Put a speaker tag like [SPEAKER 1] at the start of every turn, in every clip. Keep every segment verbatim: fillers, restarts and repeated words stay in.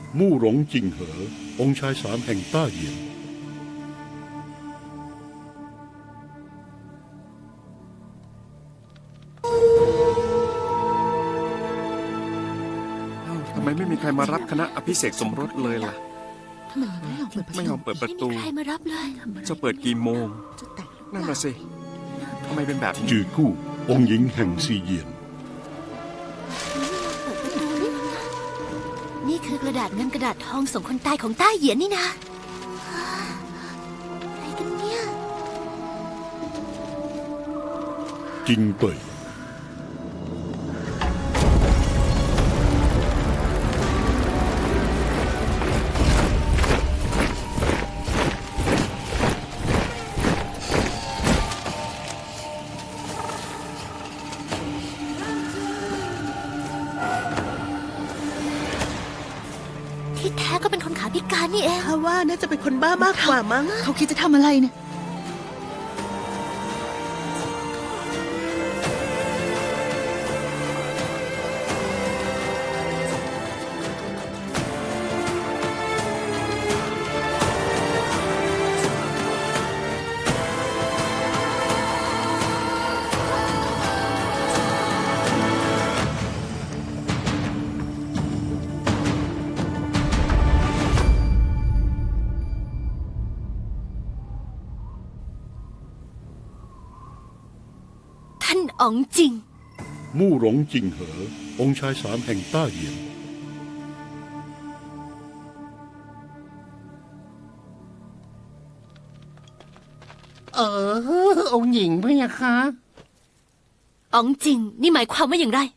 [SPEAKER 1] มู่หลงจิงเหอองค์ชายสามแห่งต้าเหยียน
[SPEAKER 2] ทำไมไม่มีใครมารับคณะอภิเษกสมรสเลยล่ะ
[SPEAKER 3] ทำไมไม่ยอมเปิดประตู
[SPEAKER 2] ไม่ยอมเปิดประตู
[SPEAKER 4] ไม่มีใครมารับเลย
[SPEAKER 2] จะเปิดกี่โมง
[SPEAKER 3] จะแตกหรือเป
[SPEAKER 2] นั่น
[SPEAKER 3] ล่า
[SPEAKER 2] น่ะสิทำไมเป็นแบบนี้
[SPEAKER 1] จือกู้องค์หญิงแห่งซีเยียน
[SPEAKER 4] นี่คือกระดาษเงินกระดาษทองส่งคนตายของต้าเหยียนนี่นะอะไรกันเนี่ย
[SPEAKER 1] จิงเป่ย
[SPEAKER 4] ที่แท้ก็เป็นคนขาพิการนี่เอง
[SPEAKER 3] ถ้าว่าน่าจะเป็นคนบ้ามากกว่ามั้ง
[SPEAKER 5] เขาคิดจะทำอะไรเนี่ย
[SPEAKER 4] ท่านอ๋องจริง
[SPEAKER 1] มู่หลงจิงเหอองค์ชายสามแห่งต้าเหยียน
[SPEAKER 6] เออ องค์หญิงพี่คะ
[SPEAKER 4] อ๋องจริง นี่หมายความว่าอย่างไร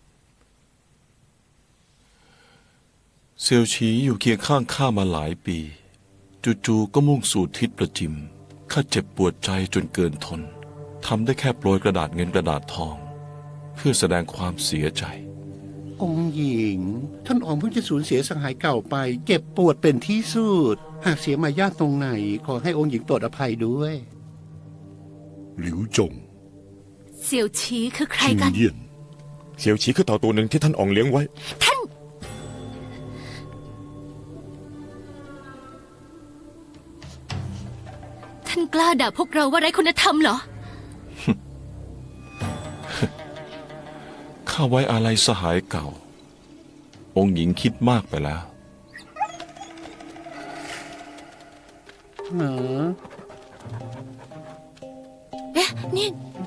[SPEAKER 7] เซียวฉีอยู่เคียงข้างข้ามาหลายปี จู่ๆก็มุ่งสู่ทิศประจิมข้าเจ็บปวดใจจนเกินทนทำได้แค่โปรยกระดาษเงินกระดาษทอง เพื่อแสดงความเสียใจ
[SPEAKER 6] องค์หญิง ท่านอ๋องเพิ่งจะสูญเสียสหายเก่าไป เจ็บปวดเป็นที่สุด หากเสียมายาทตรงไหน ขอให้องค์หญิงโปรดอภัยด้วย
[SPEAKER 1] หลิวจง
[SPEAKER 4] เสี่ยวชีคือใคร
[SPEAKER 1] ชิง
[SPEAKER 4] กัน
[SPEAKER 1] เยี่ยน
[SPEAKER 8] เฉียวฉีคือเต่าตัวหนึ่งที่ท่านอ่องเลี้ยงไว้
[SPEAKER 4] ท่าน ท่านกล้าด่าพวกเราว่าไร้คุณธรรมเหรอ
[SPEAKER 7] ข้าไว้อาลัยสหายเก่า องค์หญิงคิดมากไปแล้ว
[SPEAKER 6] เหรอ
[SPEAKER 4] เอ๊ะ นี่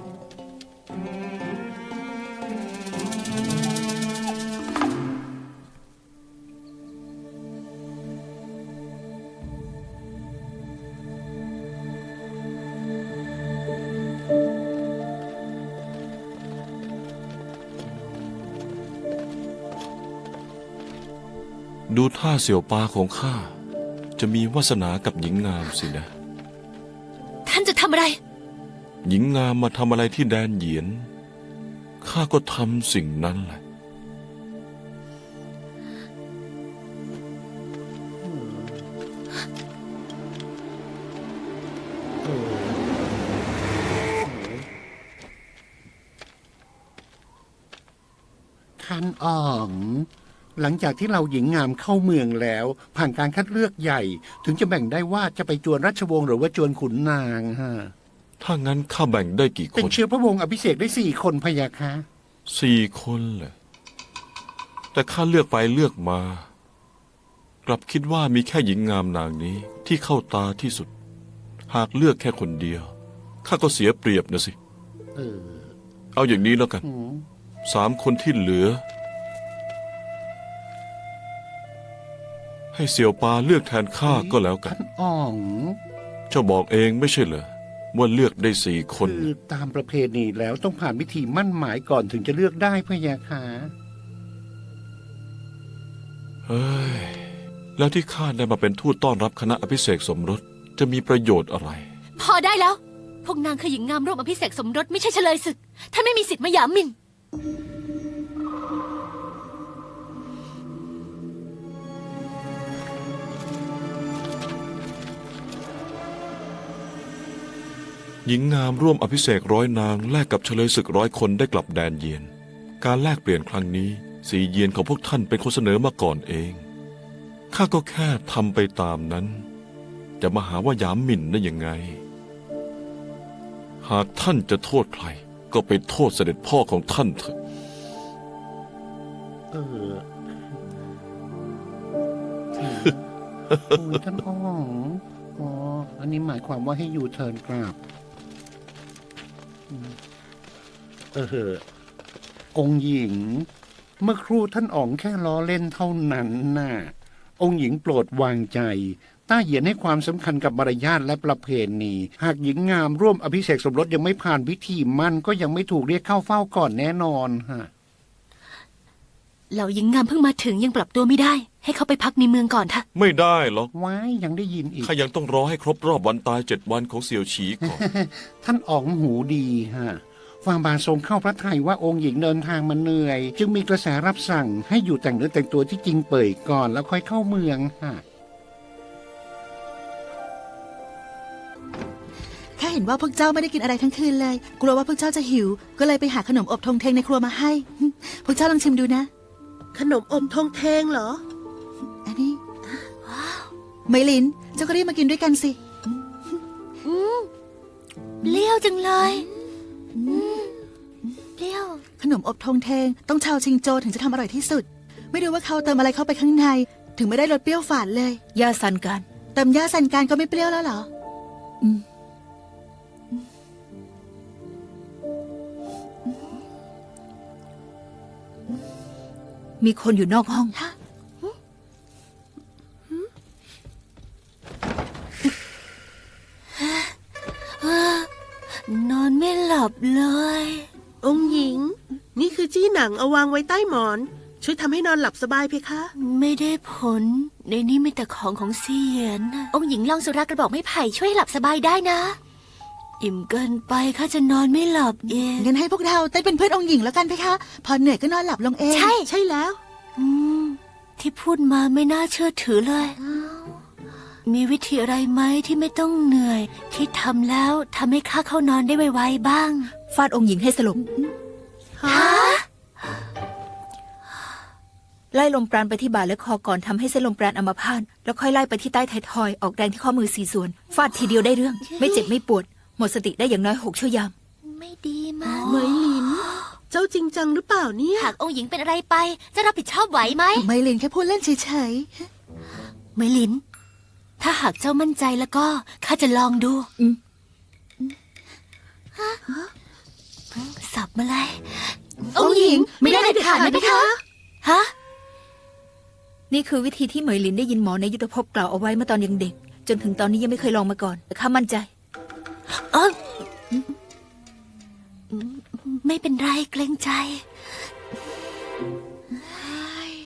[SPEAKER 7] ดูท่าเสี่ยวปาของข้าจะมีวาสนากับหญิงงามสินะ
[SPEAKER 4] ท่านจะทำอะไร
[SPEAKER 7] หญิงงามมาทำอะไรที่แดนเหยียนข้าก็ทำสิ่งนั้นแหละ
[SPEAKER 6] ท่านอ๋อง หลังจากที่เราหญิงงามเข้าเมืองแล้ว ผ่านการคัดเลือกใหญ่ ถึงจะแบ่งได้ว่าจะไปจวนราชวงศ์หรือว่าจวนขุนนางฮะ
[SPEAKER 7] ถ้างั้นข้าแบ่งได้กี่ค
[SPEAKER 6] เป็น
[SPEAKER 7] น
[SPEAKER 6] เชื้อพระวงศ์อภิเษกได้สี่คนพะยะคะ
[SPEAKER 7] สี่คนแหละแต่ข้าเลือกไปเลือกมา กลับคิดว่ามีแค่หญิงงามนางนี้ที่เข้าตาที่สุด หากเลือกแค่คนเดียวข้าก็เสียเปรียบนะสิ
[SPEAKER 6] เออ
[SPEAKER 7] เอาอย่างนี้แล้วกัน
[SPEAKER 6] หืม
[SPEAKER 7] สามคนที่เหลือ ให้เสี่ยวปาเลือกแทนข้าก็แล้วกัน
[SPEAKER 6] ท่านอ๋อง
[SPEAKER 7] เจ้าบอกเองไม่ใช่เหรอว่าเลือกได้สี่คน
[SPEAKER 6] คือตามประเพณีแล้วต้องผ่านพิธีมั่นหมายก่อนถึงจะเลือกได้พะยะคะ
[SPEAKER 7] เฮ้ย แล้วที่ข้าได้มาเป็นทูตต้อนรับคณะอภิเษกสมรสจะมีประโยชน์อะไร
[SPEAKER 4] พอได้แล้ว พวกนางคือหญิงงามร่วมอภิเษกสมรสไม่ใช่เฉลยศึก ท่านไม่มีสิทธิ์มาหยามหมิ่น
[SPEAKER 7] หญิงงามร่วมอภิเษกร้อยนางแลกกับเฉลยศึกร้อยคนได้กลับแดนเยียน การแลกเปลี่ยนครั้งนี้สีเยียนของพวกท่านเป็นคนเสนอมาก่อนเองข้าก็แค่ทำไปตามนั้น จะมาหาว่าหยามหมิ่นได้ยังไง หากท่านจะโทษใคร ก็ไปโทษเสด็จพ่อของท่านเถอะ
[SPEAKER 6] เออโอ้ยท่านอ๋องอ๋ออันนี้หมายความว่าให้อยู่เทิร์นกราบอืมเออ องค์หญิง เมื่อครู่ท่านอ๋องแค่ล้อเล่นเท่านั้นน่ะ องค์หญิงโปรดวางใจ ต้าเหยียนให้ความสำคัญกับมารยาทและประเพณี หากหญิงงามร่วมอภิเษกสมรสยังไม่ผ่านพิธีมั่นก็ยังไม่ถูกเรียกเข้าเฝ้าก่อนแน่นอนฮะ
[SPEAKER 4] เหล่าหญิงงามเพิ่งมาถึงยังปรับตัวไม่ได้ ให้เขาไปพักในเมืองก่อนเถอะ
[SPEAKER 7] ไม่ได้หรอก
[SPEAKER 6] ว้ายยังได้ยินอีก
[SPEAKER 7] ข้ายังต้องรอให้ครบรอบวันตายเจ็ดวันของเสี่ยวฉีก่อน
[SPEAKER 6] ท่านอ๋องหูดีฮะฟางบาทรงเข้าพระทัยว่าองค์หญิงเดินทางมาเหนื่อย จึงมีกระแสรับสั่งให้อยู่แต่งเนื้อแต่งตัวที่จริงเปิดก่อนแล้วค่อยเข้าเมืองฮะ
[SPEAKER 3] ข้าเห็นว่าพวกเจ้าไม่ได้กินอะไรทั้งคืนเลย กลัวว่าพวกเจ้าจะหิว ก็เลยไปหาขนมอบทงเทงในครัวมาให้ พวกเจ้าลองชิมดูนะ
[SPEAKER 5] ขนมอบทงเทงเหรอ
[SPEAKER 3] อันนี้ไมลิน เจ้าก็รีบมากินด้วยกันสิ
[SPEAKER 4] เปรี้ยวจังเลยอืมเปรี้ยว
[SPEAKER 3] ขนมอบทงเทงต้องชาวชิงโจถึงจะทำอร่อยที่สุด ไม่รู้ว่าเขาเติมอะไรเข้าไปข้างใน ถึงไม่ได้รสเปรี้ยวฝาดเลย
[SPEAKER 9] ยาสันกัน
[SPEAKER 3] เติมย่าสันการก็ไม่เปรี้ยวแล้วเหรอ
[SPEAKER 9] อืมมีคนอยู่นอกห้อง
[SPEAKER 4] นอนไม่หลับเลย
[SPEAKER 5] องค์หญิง นี่คือจี้หนังเอาวางไว้ใต้หมอน ช่วยทำให้นอนหลับสบายเพคะ
[SPEAKER 4] ไม่ได้ผล ในนี้มีแต่ของของเซียนน่ะองค์หญิงลองสุรากระบอกไม้ไผ่ช่วยหลับสบายได้นะ อิ่มเกินไปข้าจะนอนไม่หลับเอง
[SPEAKER 3] งั้นให้พวกเราเต้นเป็นเพื่อนองค์หญิงแล้วกันเพคะ พอเหนื่อยก็นอนหลับลงเอง
[SPEAKER 4] ใช่
[SPEAKER 5] ใช่แล้ว
[SPEAKER 4] อืมที่พูดมาไม่น่าเชื่อถือเลย มีวิธีอะไรไหมที่ไม่ต้องเหนื่อย ที่ทำแล้วทำให้ข้าเข้านอนได้ไวๆบ้าง
[SPEAKER 9] ฟาดองค์หญิงให้สลบ
[SPEAKER 4] ฮะ
[SPEAKER 9] ไล่ลมปราณไปที่บ่าและคอก่อนทำให้เส้นลมปราณอัมพาตแล้วค่อยไล่ไปที่ใต้ไทยทอยออกแรงที่ข้อมือสี่ส่วน ฟาดทีเดียวได้เรื่อง ไม่เจ็บไม่ปวด หมดสติได้อย่างน้อยหกชั่วยาม
[SPEAKER 4] ไม่ดีมาก
[SPEAKER 5] เหมยหลิน เจ้าจริงจังหรือเปล่าเนี่ย
[SPEAKER 4] หากองค์หญิงเป็นอะไรไป จะรับผิดชอบไหวไหม
[SPEAKER 3] ไมลินแค่พูดเล่นเฉย
[SPEAKER 4] เมลิน ถ้าหากเจ้ามั่นใจแล้วก็ข้าจะลองดู
[SPEAKER 9] อืม
[SPEAKER 4] ฮะสับมาเลย
[SPEAKER 3] ๆ องค์หญิงไม่ได้เด็ดขาดนะเพคะ
[SPEAKER 4] ฮะ
[SPEAKER 9] นี่คือวิธีที่เหมยลินได้ยินหมอในยุทธภพกล่าวเอาไว้เมื่อตอนยังเด็ก จนถึงตอนนี้ยังไม่เคยลองมาก่อน แต่ข้ามั่นใจ
[SPEAKER 4] เออไม่เป็นไรเกรงใจ